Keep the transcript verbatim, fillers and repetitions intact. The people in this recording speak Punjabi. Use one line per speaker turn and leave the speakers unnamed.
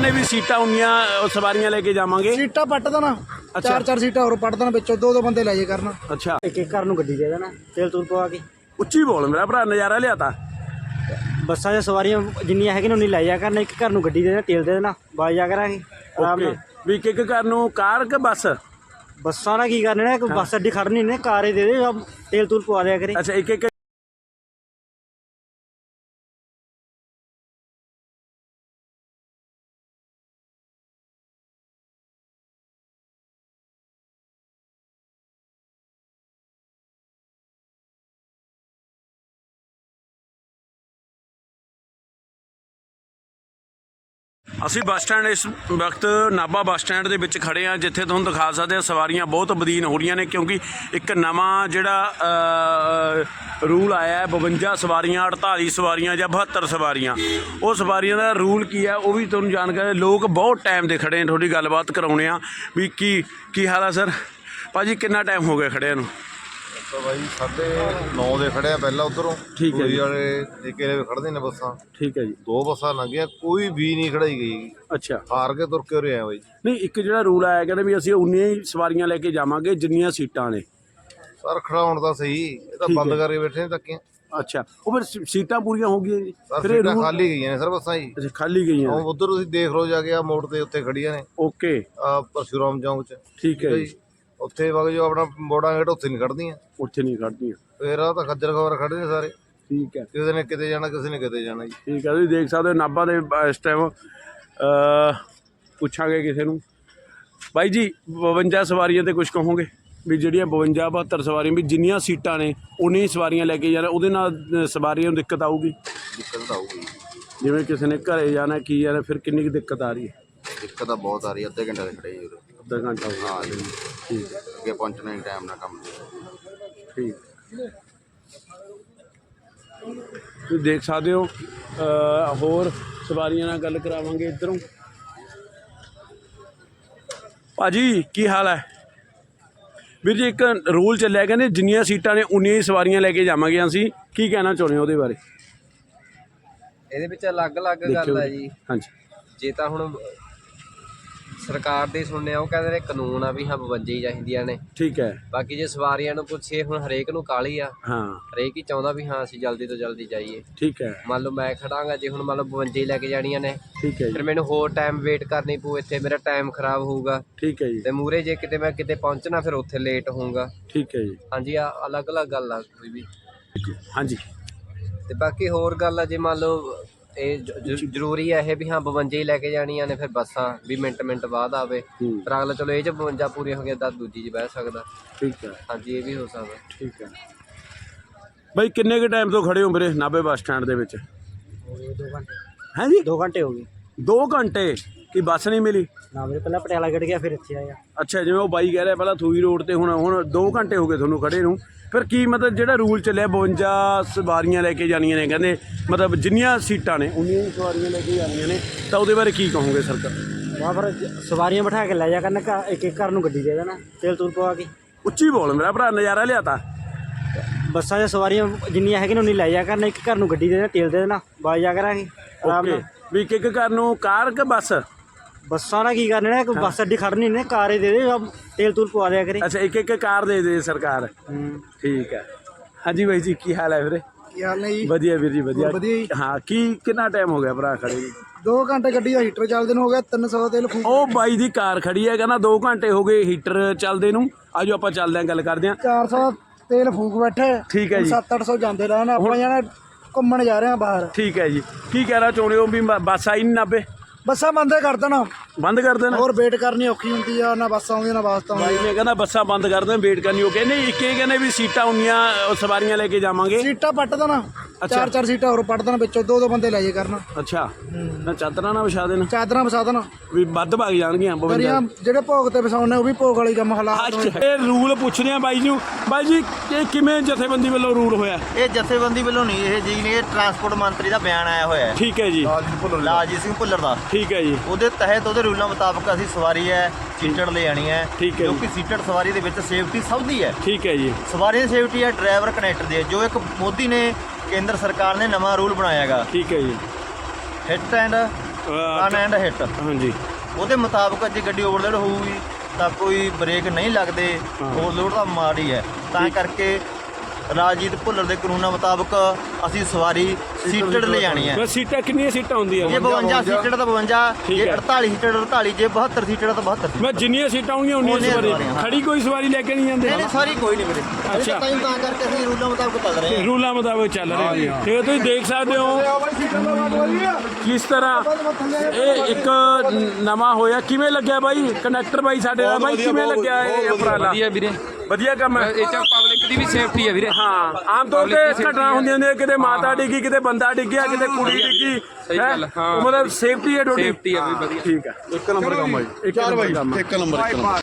कहने भी सीटा उन्नियां सवारियां लेके जावांगे।
सीटा पट देना,
अच्छा।
चार चार सीटा और पट देना, बिचों दो दो बंदे ले जाए करना।
अच्छा,
एक एक घर नूं गड्डी दे देना, तेल तूल पवा के।
उच्ची बोल मेरा भरा, नज़ारा लियाता।
ਬੱਸਾਂ 'ਚ ਸਵਾਰੀਆਂ ਜਿੰਨੀਆਂ ਹੈਗੀਆਂ ਉਨੀ ਲੈ ਜਾ ਕਰਨਾ, ਇੱਕ ਘਰ ਨੂੰ ਗੱਡੀ ਦੇ ਦੇਣਾ, ਤੇਲ ਦੇ ਦੇਣਾ, ਬਾਜ ਜਾ ਕਰਾਂਗੇ ਆਰਾਮ
ओके
ਨਾਲ।
भी एक एक घर नूं कार के बस?
ਬੱਸਾਂ ਨਾਲ ਕੀ ਕਰਨਾ ਨੇ, ਕੋਈ ਬੱਸ ਅੱਡੀ ਖੜਨੀ ਨੇ, ਕਾਰ ਹੀ ਦੇ ਦੇ, ਤੇਲ ਤੂਲ ਪਵਾ ਦਿਆ ਕਰੇ।
अच्छा, एक एक ਅਸੀਂ ਬੱਸ ਸਟੈਂਡ ਇਸ ਵਕਤ ਨਾਭਾ ਬੱਸ ਸਟੈਂਡ ਦੇ ਵਿੱਚ ਖੜੇ ਹਾਂ, ਜਿੱਥੇ ਤੁਹਾਨੂੰ ਦਿਖਾ ਸਕਦੇ ਹਾਂ ਸਵਾਰੀਆਂ ਬਹੁਤ ਬਦੀਨ ਹੋ ਰਹੀਆਂ ਨੇ, ਕਿਉਂਕਿ ਇੱਕ ਨਵਾਂ ਜਿਹੜਾ ਰੂਲ ਆਇਆ ਹੈ ਬਵੰਜਾ ਸਵਾਰੀਆਂ, ਅਠਤਾਲੀ ਸਵਾਰੀਆਂ ਜਾਂ ਬਹੱਤਰ ਸਵਾਰੀਆਂ। ਉਹ ਸਵਾਰੀਆਂ ਦਾ ਰੂਲ ਕੀ ਹੈ ਉਹ ਵੀ ਤੁਹਾਨੂੰ ਜਾਣਕਾਰੀ। ਲੋਕ ਬਹੁਤ ਟਾਈਮ ਦੇ ਖੜੇ ਨੇ, ਤੁਹਾਡੀ ਗੱਲਬਾਤ ਕਰਾਉਣੇ ਆ ਵੀ ਕੀ ਕੀ ਹਾਲ ਆ ਸਰ? ਭਾਜੀ ਕਿੰਨਾ ਟਾਈਮ ਹੋ ਗਿਆ ਖੜਿਆਂ ਨੂੰ?
ਤਾਂ ਬਾਈ ਸਾਢੇ ਨੌ ਦੇ ਖੜੇ ਆ ਪਹਿਲਾਂ ਉਧਰੋਂ।
ਠੀਕ ਹੈ ਜੀ।
ਵਾਲੇ ਠੇਕੇ ਦੇ ਖੜਦੇ ਨੇ ਬੱਸਾਂ।
ਠੀਕ ਹੈ ਜੀ।
ਦੋ ਬੱਸਾਂ ਲੰਘੀਆਂ, ਕੋਈ ਵੀ ਨਹੀਂ ਖੜਾਈ ਗਈ।
ਅੱਛਾ,
ਹਾਰ ਕੇ ਤੁਰ ਕੇ ਉਰੇ ਆਏ ਬਾਈ।
ਨਹੀਂ ਇੱਕ ਜਿਹੜਾ ਰੂਲ ਆਇਆ ਕਹਿੰਦੇ ਵੀ ਅਸੀਂ ਉਨੀਆਂ ਹੀ ਸਵਾਰੀਆਂ ਲੈ ਕੇ ਜਾਵਾਂਗੇ ਜਿੰਨੀਆਂ ਸੀਟਾਂ ਨੇ।
ਸਰ ਖੜਾਉਣ ਤਾਂ ਸਹੀ, ਇਹ ਤਾਂ
ਠੀਕ
ਬੰਦ
ਹੈ।
ਕਰਕੇ ਬੈਠੇ ਨੇ ਧੱਕੇ।
ਅੱਛਾ, ਉਹ ਫਿਰ ਸੀ- ਸੀਟਾਂ ਪੂਰੀਆਂ ਹੋ ਗਈਆਂ ਜੀ?
ਸਰ
ਫਿਰ ਇਹ
ਸੀਟਾਂ
ਰੂਲ
ਖਾਲੀ ਗਈਆਂ ਨੇ ਸਰ ਬੱਸਾਂ ਜੀ।
ਅੱਛਾ, ਖਾਲੀ ਗਈਆਂ ਨੇ।
ਉਧਰ ਤੁਸੀਂ ਦੇਖ ਲਓ ਜਾ ਕੇ, ਆ ਮੋੜ ਤੇ ਉੱਥੇ ਖੜੀਆਂ ਨੇ,
ਓਕੇ,
ਆ ਪਰਸ਼ੂਰਾਮ ਚੌਂਕ 'ਚ।
ਠੀਕ ਹੈ ਜੀ।
ਉੱਥੇ ਵਗ ਜੋ ਆਪਣਾ ਮੋੜਾਂ ਗੇਟ, ਉੱਥੇ ਨਹੀਂ ਖੜਦੀਆਂ।
ਉੱਥੇ ਨਹੀਂ ਖੜਦੀਆਂ।
ਫੇਰ ਆ ਤਾਂ ਖੱਜਲ ਖਬਰ ਖੜੇ ਨੇ ਸਾਰੇ।
ਠੀਕ ਹੈ,
ਕਿਸੇ ਨੇ ਕਿਤੇ ਜਾਣਾ, ਕਿਸੇ ਨੇ ਕਿਤੇ ਜਾਣਾ ਜੀ।
ਠੀਕ ਹੈ। ਤੁਸੀਂ ਦੇਖ ਸਕਦੇ ਹੋ ਨਾਭਾ ਦੇ ਇਸ ਟਾਈਮ ਪੁੱਛਾਂਗੇ ਕਿਸੇ ਨੂੰ। ਬਾਈ ਜੀ ਬਵੰਜਾ ਸਵਾਰੀਆਂ ਤੇ ਕੁਝ ਕਹੋਗੇ ਵੀ ਜਿਹੜੀਆਂ ਬਵੰਜਾ ਬਹੱਤਰ ਸਵਾਰੀਆਂ ਵੀ ਜਿੰਨੀਆਂ ਸੀਟਾਂ ਨੇ ਉਨੀਆਂ ਸਵਾਰੀਆਂ ਲੈ ਕੇ ਜਾਣਾ, ਉਹਦੇ ਨਾਲ ਸਵਾਰੀਆਂ ਨੂੰ ਦਿੱਕਤ ਆਊਗੀ?
ਦਿੱਕਤ ਤਾਂ ਆਊਗੀ,
ਜਿਵੇਂ ਕਿਸੇ ਨੇ ਘਰੇ ਜਾਣਾ ਕੀ ਜਾਣਾ, ਫਿਰ ਕਿੰਨੀ ਕੁ ਦਿੱਕਤ ਆ ਰਹੀ ਹੈ?
ਦਿੱਕਤ ਤਾਂ ਬਹੁਤ ਆ ਰਹੀ। ਅੱਧੇ ਘੰਟੇ ਦੇ ਖੜੇ ਜੀ ਉਰੇ।
ਅੱਧਾ ਘੰਟਾ ਹੋ ਗਿਆ।
ਹਾਂ ਜੀ,
ਠੀਕ ਹੈ,
ਅੱਗੇ ਪਹੁੰਚਣਾ ਹੀ ਟਾਈਮ ਨਾਲ ਕੰਮ।
ਠੀਕ। ਤੁਸੀਂ ਦੇਖ ਸਕਦੇ ਹੋ ਅ, ਹੋਰ ਸਵਾਰੀਆਂ ਨਾਲ ਗੱਲ ਕਰਾਵਾਂਗੇ ਇੱਧਰੋਂ। ਭਾਜੀ ਕੀ ਹਾਲ ਹੈ? ਵੀਰ ਜੀ ਇੱਕ ਰੂਲ ਚੱਲਿਆ, ਕਹਿੰਦੇ ਜਿੰਨੀਆਂ ਸੀਟਾਂ ਨੇ ਉਨੀਆਂ ਹੀ ਸਵਾਰੀਆਂ ਲੈ ਕੇ ਜਾਵਾਂਗੇ ਅਸੀਂ, ਕੀ ਕਹਿਣਾ ਚਾਹੁੰਦੇ ਹੋ ਉਹਦੇ ਬਾਰੇ?
ਇਹਦੇ ਵਿੱਚ ਅਲੱਗ-ਅਲੱਗ ਗੱਲ ਹੈ ਜੀ।
ਹਾਂਜੀ,
ਜੇ ਤਾਂ ਹੁਣ ਸਰਕਾਰ ਦੇ ਸੁਣਨੇ ਆ, ਉਹ ਕਹਿੰਦੇ ਨੇ ਕਾਨੂੰਨ ਆ ਵੀ ਹਾਂ ਬਵੰਜਾ ਹੀ ਚਾਹੀਦੀਆਂ ਨੇ।
ਠੀਕ ਹੈ।
ਬਾਕੀ ਜੇ ਸਵਾਰੀਆਂ ਨੂੰ ਪੁੱਛੇ, ਹੁਣ ਹਰੇਕ ਨੂੰ ਕਾਹਲੀ ਆ,
ਹਾਂ,
ਹਰੇਕ ਹੀ ਚਾਹੁੰਦਾ ਵੀ ਹਾਂ ਅਸੀਂ ਜਲਦੀ ਤੋਂ ਜਲਦੀ ਜਾਈਏ।
ਠੀਕ ਹੈ।
ਮੰਨ ਲਓ ਮੈਂ ਖੜਾਂਗਾ, ਜੇ ਹੁਣ ਮੰਨ ਲਓ ਬਵੰਜਾ ਹੀ ਲੈ ਕੇ ਜਾਣੀਆਂ ਨੇ,
ਠੀਕ ਹੈ ਜੀ।
ਫਿਰ ਮੈਨੂੰ ਹੋਰ ਟਾਈਮ ਵੇਟ ਕਰਨੀ ਪਊ, ਇੱਥੇ ਮੇਰਾ ਟਾਈਮ ਖਰਾਬ ਹੋਊਗਾ।
ਠੀਕ ਹੈ ਜੀ।
ਤੇ ਮੂਹਰੇ ਜੇ ਕਿਤੇ ਮੈਂ ਕਿਤੇ ਪਹੁੰਚਣਾ, ਫਿਰ ਉੱਥੇ ਲੇਟ ਹੋਊਗਾ।
ਠੀਕ ਹੈ ਜੀ।
ਹਾਂਜੀ, ਆ ਅਲੱਗ-ਅਲੱਗ ਗੱਲ ਆ ਕੋਈ ਵੀ।
ਹਾਂਜੀ,
ਤੇ ਬਾਕੀ ਹੋਰ ਗੱਲ ਆ, ਜੇ ਮੰਨ ਲਓ ਇਹ ਜ- ਜ- ਜ਼ਰੂਰੀ ਹੈ ਇਹ ਵੀ ਹਾਂ ਬਵੰਜਾ ਹੀ ਲੈ ਕੇ ਜਾਣੀਆਂ ਨੇ, ਫਿਰ ਬੱਸਾਂ ਵੀ ਮਿੰਟ ਮਿੰਟ ਬਾਅਦ ਆਵੇ।
ਹੂੰ,
ਪਰ ਅਗਲਾ ਚਲੋ ਇਹ 'ਚ ਬਵੰਜਾ ਪੂਰੀਆਂ ਹੋ ਗਈਆਂ ਤਾਂ ਦੂਜੀ 'ਚ ਬਹਿ ਸਕਦਾ।
ਠੀਕ ਹੈ।
ਹਾਂਜੀ, ਇਹ ਵੀ ਹੋ ਸਕਦਾ।
ਠੀਕ ਹੈ। ਬਾਈ ਕਿੰਨੇ ਕੁ ਟਾਈਮ ਤੋਂ ਖੜੇ ਹੋ ਵੀਰੇ ਨਾਭੇ ਬੱਸ ਸਟੈਂਡ ਦੇ ਵਿੱਚ?
ਦੋ ਘੰਟੇ
ਹੈ ਜੀ,
ਦੋ ਘੰਟੇ ਹੋ ਗਏ
ਦੋ ਘੰਟੇ ਕੀ ਬੱਸ ਨਹੀਂ ਮਿਲੀ?
ਨਾ ਵੀਰੇ, ਪਹਿਲਾਂ ਪਟਿਆਲਾ ਗੜ ਗਿਆ, ਫਿਰ ਇੱਥੇ ਆਇਆ।
ਅੱਛਾ, ਜਿਵੇਂ ਉਹ ਬਾਈ ਕਹਿ ਰਿਹਾ ਪਹਿਲਾਂ ਥੂਈ ਰੋਡ ਤੇ, ਹੁਣ ਹੁਣ ਦੋ ਘੰਟੇ ਹੋ ਗਏ ਤੁਹਾਨੂੰ ਖੜੇ ਨੂੰ। ਫਿਰ ਕੀ ਮਤਲਬ ਜਿਹੜਾ ਰੂਲ ਚੱਲਿਆ ਬਵੰਜਾ ਸਵਾਰੀਆਂ ਲੈ ਕੇ ਜਾਣੀਆਂ ਨੇ, ਕਹਿੰਦੇ ਮਤਲਬ ਜਿੰਨੀਆਂ ਸੀਟਾਂ ਨੇ ਉਨੀਆਂ ਹੀ ਸਵਾਰੀਆਂ ਲੈ ਕੇ ਜਾਣੀਆਂ ਨੇ, ਤਾਂ ਉਹਦੇ ਬਾਰੇ ਕੀ ਕਹੋਗੇ ਸਰਕਾਰ?
ਵਾਹ, ਫਿਰ ਸਵਾਰੀਆਂ ਬਿਠਾ ਕੇ ਲੈ ਜਾ ਕਰਨਾ, ਘਰ- ਇੱਕ ਇੱਕ ਘਰ ਨੂੰ ਗੱਡੀ ਦੇ ਦੇਣਾ, ਤੇਲ ਤੂਲ ਪਵਾ ਕੇ।
ਉੱਚੀ ਬੋਲ ਮੇਰਾ ਭਰਾ, ਨਜ਼ਾਰਾ ਲਿਆਤਾ।
ਬੱਸਾਂ 'ਚ ਸਵਾਰੀਆਂ ਜਿੰਨੀਆਂ ਹੈਗੀਆਂ ਉਨੀ ਲੈ ਜਾ ਕਰਨਾ, ਇੱਕ ਘਰ ਨੂੰ ਗੱਡੀ ਦੇ ਦੇਣਾ, ਤੇਲ ਦੇ ਦੇਣਾ, ਬਾਜ ਜਾ ਕਰਾਂਗੇ ਆਰਾਮ
ਓਕੇ,
ਨਾਲ।
ਵੀ ਇੱਕ ਇੱਕ ਘਰ ਨੂੰ ਕਾਰ ਕਿ ਬੱਸ?
ਬੱਸਾਂ ਨਾਲ ਕੀ ਕਰਨਾ ਨੇ, ਕੋਈ ਬੱਸ ਅੱਡੀ ਖੜਨੀ ਨੇ, ਕਾਰ ਹੀ ਦੇ ਦੇ, ਤੇਲ ਤੂਲ ਪਵਾ ਦਿਆ ਕਰੇ।
ਅੱਛਾ, ਇੱਕ ਇੱਕ ਕਾਰ ਦੇ ਦੇ ਸਰਕਾਰ।
ਹੂੰ,
ਠੀਕ ਹੈ। ਹਾਂਜੀ ਬਾਈ ਜੀ ਕੀ ਹਾਲ ਹੈ ਵੀਰੇ?
ਕੀ ਹਾਲ ਨੇ ਜੀ?
ਵਧੀਆ ਵੀਰ ਜੀ, ਵਧੀਆ।
ਵਧੀਆ ਜੀ।
ਹਾਂ, ਕੀ ਕਿੰਨਾ ਟਾਈਮ ਹੋ ਗਿਆ ਭਰਾ ਖੜੇ ਜੀ?
ਦੋ ਘੰਟੇ ਗੱਡੀ ਦਾ ਹੀਟਰ ਚੱਲਦੇ ਨੂੰ ਹੋ ਗਿਆ, ਤਿੰਨ ਸੌ ਤੇਲ ਫੂਕ।
ਉਹ ਬਾਈ ਦੀ ਕਾਰ ਖੜੀ ਹੈ, ਕਹਿੰਦਾ ਦੋ ਘੰਟੇ ਹੋ ਗਏ ਹੀਟਰ ਚੱਲਦੇ ਨੂੰ। ਆਜੋ ਆਪਾਂ ਚੱਲਦੇ ਹਾਂ, ਗੱਲ ਕਰਦੇ ਹਾਂ।
ਚਾਰ ਸੌ ਤੇਲ ਫੂਕ ਬੈਠੇ।
ਠੀਕ ਹੈ ਜੀ।
ਸੱਤ ਅੱਠ ਸੌ ਜਾਂਦੇ ਰਹਿਣ, ਆਪਾਂ ਜਾਣਾ ਘੁੰਮਣ ਜਾ ਰਹੇ ਹਾਂ ਬਾਹਰ।
ਠੀਕ ਹੈ ਜੀ। ਕੀ ਕਹਿਣਾ ਚਾਹੁੰਦੇ ਹੋ ਵੀ ਬ- ਬੱਸ ਆਈ ਨਹੀਂ ਨਾਭੇ?
ਬੱਸਾਂ ਬੰਦੇ ਕਰ ਦੇਣਾ,
ਬੰਦ ਕਰ ਦੇਣਾ?
ਹੋਰ ਵੇਟ ਕਰਨੀ ਔਖੀ ਹੁੰਦੀ ਆ, ਨਾ ਬੱਸ ਆਉਂਦੀਆਂ ਨਾ ਬੱਸ
ਬਾਈ
ਆਉਂਦੀਆਂ।
ਨੇ ਕਹਿੰਦਾ ਬੱਸਾਂ ਬੰਦ ਕਰ ਦੇਣ, ਵੇਟ ਕਰਨੀ। ਉਹ ਕਹਿੰਦੇ ਇੱਕ ਇਹ ਕਹਿੰਦੇ ਵੀ ਸੀਟਾਂ ਉਨੀਆਂ ਅ, ਸਵਾਰੀਆਂ ਲੈ ਕੇ ਜਾਵਾਂਗੇ।
ਸੀਟਾਂ ਪੱਟ ਦੇਣਾ, ਚਾਰ ਚਾਰ ਸੀਟਾਂ ਹੋਰ ਪੱਟ ਦੇਣਾ, ਵਿੱਚੋਂ ਦੋ ਦੋ ਬੰਦੇ ਲੈ ਜਾਏ ਕਰਨਾ।
ਅੱਛਾ, ਨਾ ਚਾਦਰਾਂ ਨਾ ਵਿਛਾ ਦੇਣਾ
ਚਾਦਰਾਂ ਵਸਾ ਦੇਣਾ,
ਵੀ ਵੱਧ ਭਾਗ ਜਾਣਗੀਆਂ ਬਵੰਜਾ।
ਦਰੀਆਂ ਜਿਹੜੇ ਭੋਗ ਤੇ ਵਸਾਉਣੇ ਉਹ ਵੀ ਭੋਗ ਵਾਲੀ ਕੰਮ ਹਾਲਾਤ ਹੋਏ।
ਅੱਛਾ, ਇਹ ਰੂਲ ਪੁੱਛਦੇ ਆ ਬਾਈ ਨੂੰ। ਬਾਈ ਜੀ ਇਹ ਕਿਵੇਂ ਜਥੇਬੰਦੀ ਵੱਲੋਂ ਰੂਲ ਹੋਇਆ?
ਇਹ ਜਥੇਬੰਦੀ ਵੱਲੋਂ ਨਹੀਂ, ਇਹ ਜੀ ਨੇ ਟਰਾਂਸਪੋਰਟ ਮੰਤਰੀ ਦਾ ਬਿਆਨ ਆਇਆ ਹੋਇਆ ਹੈ,
ਠੀਕ ਹੈ ਜੀ।
ਲਾਲਜੀਤ ਸਿੰਘ ਭੁੱਲਰ ਦਾ।
ਠੀਕ ਹੈ ਜੀ।
ਉਹਦੇ ਤਹਿਤ ਉਹਦੇ ਰੂਲਾਂ ਮੁਤਾਬਕ ਅਸੀਂ ਸਵਾਰੀ ਹੈ ਸੀਟਡ ਲੈ ਆਣੀ ਹੈ,
ਠੀਕ ਹੈ
ਕਿਉਂਕਿ ਸੀਟਡ ਸਵਾਰੀ ਦੇ ਵਿੱਚ ਸੇਫਟੀ ਸਭ ਦੀ ਹੈ।
ਠੀਕ ਹੈ ਜੀ।
ਸਵਾਰੀ ਦੀ ਸੇਫਟੀ ਹੈ, ਡਰਾਈਵਰ ਕਨੈਕਟਰ ਦੀ ਹੈ। ਜੋ ਇੱਕ ਮੋਦੀ ਨੇ ਕੇਂਦਰ ਸਰਕਾਰ ਨੇ ਨਵਾਂ ਰੂਲ ਬਣਾਇਆ ਹੈਗਾ,
ਠੀਕ ਹੈ ਜੀ।
Hit and run and hit
ਹਾਂਜੀ
ਉਹਦੇ ਮੁਤਾਬਕ ਜੇ ਗੱਡੀ ਓਵਰਲੋਡ ਹੋਊਗੀ ਤਾਂ ਕੋਈ ਬ੍ਰੇਕ ਨਹੀਂ ਲੱਗਦੇ, ਓਵਰਲੋਡ ਤਾਂ ਮਾੜੀ ਹੈ। ਤਾਂ ਕਰਕੇ ਰਾਜਜੀਤ ਭੁੱਲਰ ਦੇ ਕਾਨੂੰਨਾਂ ਮੁਤਾਬਕ ਅਸੀਂ ਸਵਾਰੀ ਸੀਟਡ ਲੈ ਜਾਣੀ ਹੈ।
ਬਸ ਸੀਟਾਂ ਕਿੰਨੀਆਂ ਸੀਟਾਂ ਹੁੰਦੀਆਂ
ਜੇ ਬਵੰਜਾ ਸੀਟਡ ਤਾਂ ਬਵੰਜਾ,
ਠੀਕ
ਜੇ
ਹੈ।
ਅੜਤਾਲੀ ਸੀਟਡ ਅੜਤਾਲੀ, ਜੇ ਬਹੱਤਰ ਸੀਟਡ ਤਾਂ ਬਹੱਤਰ।
ਮੈਂ ਜਿੰਨੀਆਂ ਸੀਟਾਂ ਹੋਣਗੀਆਂ ਉਨੀਆਂ
ਉਨੀਆਂ
ਸਵਾਰੀ
ਸਵਾਰੀਆਂ, ਹਾਂ।
ਖੜੀ ਕੋਈ ਸਵਾਰੀ ਲੈ ਕੇ ਨਹੀਂ ਜਾਂਦੇ
ਨਹੀਂ ਨਹੀਂ ਸਾਰੀ ਕੋਈ ਨਹੀਂ ਵੀਰੇ।
ਅੱਛਾ।
ਤਾਂ ਤਾਂ ਕਰਕੇ ਅਸੀਂ ਰੂਲਾਂ ਮੁਤਾਬਕ ਚੱਲ ਰਹੇ ਹਾਂ।
ਰੂਲਾਂ ਮੁਤਾਬਕ ਚੱਲ ਰਹੇ ਹਾਂ। ਤੇ ਤੁਸੀਂ ਦੇਖ ਸਕਦੇ ਹੋ ਕਿਸ ਤਰ੍ਹਾਂ ਇਹ ਇੱਕ ਨਵਾਂ ਹੋਇਆ। ਕਿਵੇਂ ਲੱਗਿਆ ਬਾਈ ਕੰਡਕਟਰ ਬਾਈ ਸਾਡੇ ਦਾ ਬਾਈ, ਕਿਵੇਂ ਲੱਗਿਆ ਇਹ ਉਪਰਾਲਾ?
ਵਧੀਆ ਵੀਰੇ,
ਵਧੀਆ ਕੰਮ ਹੈ।
ਇਹ ਚ ਪਬਲਿਕ ਦੀ ਵੀ ਸੇਫਟੀ ਹੈ ਵੀਰੇ।
ਹਾਂ, ਆਮ ਤੌਰ ਤੇ ਘਟਨਾ ਹੁੰਦੀਆਂ ਨੇ, ਕਿਤੇ ਮਾਤਾ ਡਿੱਗੀ, ਕਿਤੇ ਬੰਦਾ ਡਿੱਗਿਆ, ਕਿਤੇ ਕੁੜੀ ਡਿੱਗੀ।
ਸਹੀ ਗੱਲ,
ਹੈਂ?
ਹਾਂ।
ਉਹ ਮਤਲਬ ਸੇਫਟੀ ਹੈ ਤੁਹਾਡੀ।
ਸੇਫਟੀ ਹੈ ਵੀ ਵਧੀਆ।
ਠੀਕ ਹੈ,
ਇੱਕ ਨੰਬਰ ਕੰਮ ਆ ਜੀ।
ਇੱਕ ਨੰਬਰ ਕੰਮ ਹੈ।
ਇੱਕ ਨੰਬਰ ਇੱਕ ਨੰਬਰ